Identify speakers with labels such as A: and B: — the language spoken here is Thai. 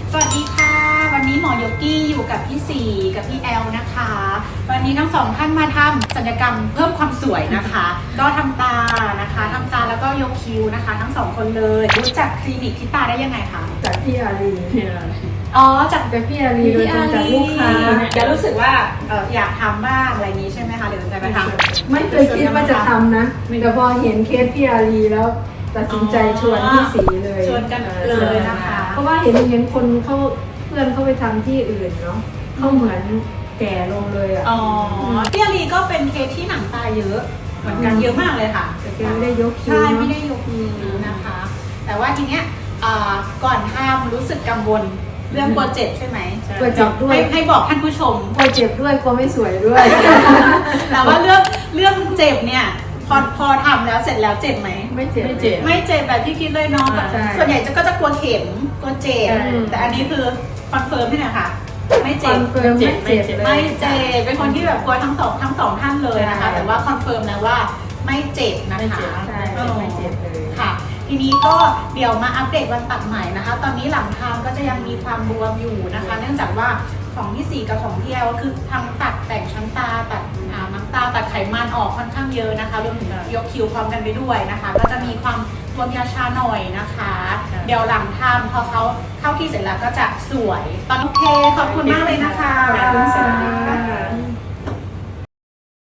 A: สวัสดีค่ะวันนี้หมอยกกี้อยู่กับพี่สีกับพี่แอลนะคะวันนี้ทั้งสองท่านมาทำศัลยกรรมเพิ่มความสวยนะคะก็ทำตานะคะทำตาแล้วก็ยกคิ้วนะคะทั้งสองคนเลยรู้จักคลินิกที่ตาได้ยังไงคะ
B: จากพี่อารี
A: อ๋อจาก
B: พี่อารีโดยตรงจากลูกค้า
A: จะรู้สึกว่าอยากทำบ้างอะไรอย่างนี้ใช่ไหมคะเดี๋ยวจะไปทำ
B: ไม่เคยคิดว่าจะทำนะแต่พอเห็นเคสพี่อารีแล้วตัดสินใจชวนพี่สีเลย
A: ชวนกันเลยนะคะ
B: เพราะว่าเห็นคนเขาเพื่อนเขาไปทำที่อื่นเนาะเขาเหมือนแก่ลงเลยอ่ะ
A: พี่อารีก็เป็นเคสที่หนังตาเยอะเหมือนกันเยอะมากเลยค่ะ
B: แต่แกไม่ได้ยกคิ้ว
A: ใช่ไม่ได้ยกคิ้วนะคะ แต่ว่าทีเนี้ยก่อนทำรู้สึกกังวลเรื่องกลัวเจ็บใช่ไหม
B: กลัวเจ็บด้วย
A: ให้บอกท่านผู้ชม
B: กลัวเจ็บด้วยกลัวไม่สวยด้วย
A: แต่ว่าเรื่องเจ็บเนี่ยพอทำแล้วเสร็จแล้วเจ็บไหม
B: ไม่เจ็บ
A: แบบที่คิดเลยเนาะส่วนใหญ่ก็จะกลัวเข็มกลัวเจ็บแต่อันนี้คือคอนเฟิร์มให้หน่อยค่ะไม่เจ็บเป็นคนที่แบบกลัวทั้งสองท่านเลยนะคะแต่ว่าคอนเฟิร์มนะว่าไม่เจ็บนะคะ
B: ใช่ไม่เจ็บเลย
A: ค่ะทีนี้ก็เดี๋ยวมาอัปเดตวันตัดใหม่นะคะตอนนี้หลังทำก็จะยังมีความบวมอยู่นะคะเนื่องจากว่าของพี่สีกับของพี่แอลก็คือทำตัดแต่งชั้นตาตัดน้ำตาตัดไขมันออกค่อนข้างเยอะนะคะรวมถึงยกคิ้วพร้อมกันไปด้วยนะคะก็จะมีความบวมยาชาหน่อยนะคะเดี๋ยวหลังทำพอเขาเข้าที่เสร็จแล้วก็จะสวยตอนโอเคขอบคุณมากเลยนะคะ
B: ขอบคุณค่ะ